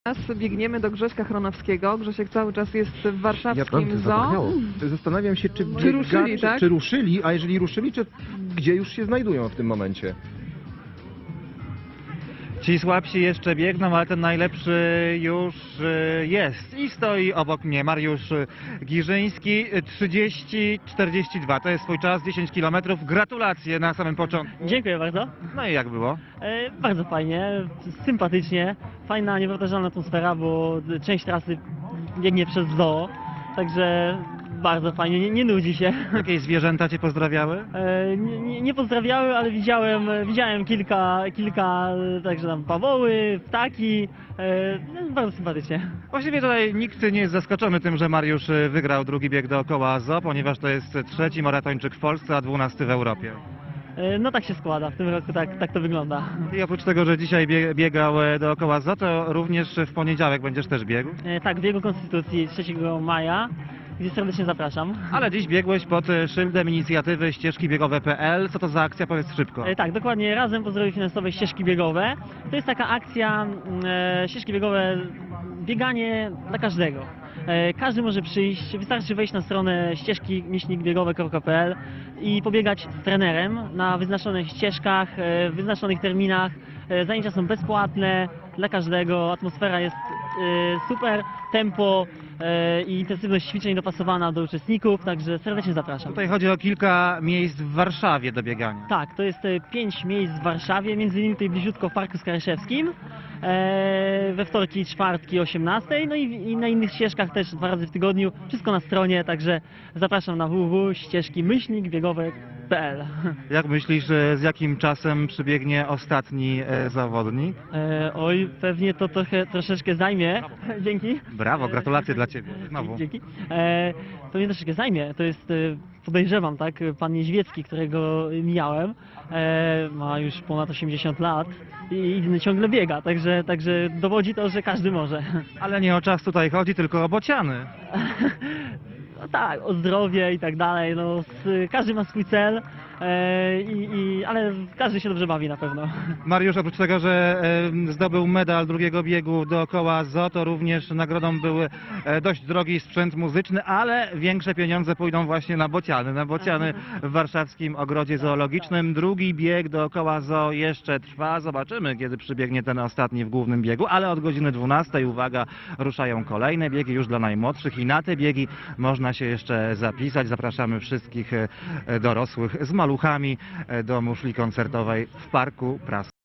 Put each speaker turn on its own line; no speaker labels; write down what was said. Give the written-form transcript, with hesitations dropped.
Teraz biegniemy do Grześka Chronowskiego. Grzesiek cały czas jest w
Ja
warszawskim zoo.
zapomniało. Zastanawiam się, czy
Czy ruszyli, tak?
czy ruszyli, a jeżeli ruszyli, czy gdzie już się znajdują w tym momencie?
Ci słabsi jeszcze biegną, ale ten najlepszy już jest i stoi obok mnie. Mariusz Giżyński, 30:42. To jest swój czas, 10 km. Gratulacje na samym początku.
Dziękuję bardzo.
No i jak było?
Bardzo fajnie, sympatycznie, fajna, niepowtarzalna atmosfera, bo część trasy biegnie przez zoo, także bardzo fajnie, nie nudzi się.
Jakieś zwierzęta cię pozdrawiały?
Nie pozdrawiały, ale widziałem kilka, także tam pawoły, ptaki, bardzo sympatycznie.
Właściwie tutaj nikt nie jest zaskoczony tym, że Mariusz wygrał drugi bieg dookoła zoo, ponieważ to jest trzeci maratończyk w Polsce, a 12 w Europie.
No tak się składa, w tym roku tak to wygląda.
I oprócz tego, że dzisiaj biegał dookoła zoo, to również w poniedziałek będziesz też biegł.
Tak, w biegu Konstytucji 3 maja, gdzie serdecznie zapraszam.
Ale dziś biegłeś pod szyldem inicjatywy ścieżki biegowe.pl. Co to za akcja? Powiedz szybko.
Tak, dokładnie, razem po zdrowiu finansowe ścieżki biegowe. To jest taka akcja, ścieżki biegowe, bieganie dla każdego. Każdy może przyjść, wystarczy wejść na stronę ścieżki-biegowe.pl i pobiegać z trenerem na wyznaczonych ścieżkach, w wyznaczonych terminach. Zajęcia są bezpłatne dla każdego, atmosfera jest super, tempo i intensywność ćwiczeń dopasowana do uczestników, także serdecznie zapraszam.
Tutaj chodzi o kilka miejsc w Warszawie do biegania.
Tak, to jest 5 miejsc w Warszawie, między innymi tutaj bliziutko w Parku Skaryszewskim, we wtorki i czwartki o 18:00, no i na innych ścieżkach też 2 razy w tygodniu, wszystko na stronie, także zapraszam na www.ścieżki-biegowe.pl.
Jak myślisz, z jakim czasem przybiegnie ostatni zawodnik?
Oj, pewnie to troszeczkę zajmie. Dzięki.
Brawo, gratulacje dla Ciebie. Znowu.
Dzięki. Pewnie troszeczkę zajmie. To jest, podejrzewam, tak, pan Niedźwiecki, którego mijałem, ma już ponad 80 lat i ciągle biega, także dowodzi to, że każdy może.
Ale nie o czas tutaj chodzi, tylko o bociany.
No tak, o zdrowie i tak dalej, no, każdy ma swój cel, ale każdy się dobrze bawi na pewno.
Mariusz, oprócz tego, że zdobył medal drugiego biegu dookoła zoo, to również nagrodą był dość drogi sprzęt muzyczny, ale większe pieniądze pójdą właśnie na bociany w warszawskim ogrodzie zoologicznym. Drugi bieg dookoła zoo jeszcze trwa, zobaczymy, kiedy przybiegnie ten ostatni w głównym biegu, ale od godziny 12:00, uwaga, ruszają kolejne biegi już dla najmłodszych i na te biegi można się jeszcze zapisać. Zapraszamy wszystkich dorosłych z maluchami do muszli koncertowej w Parku Prasy.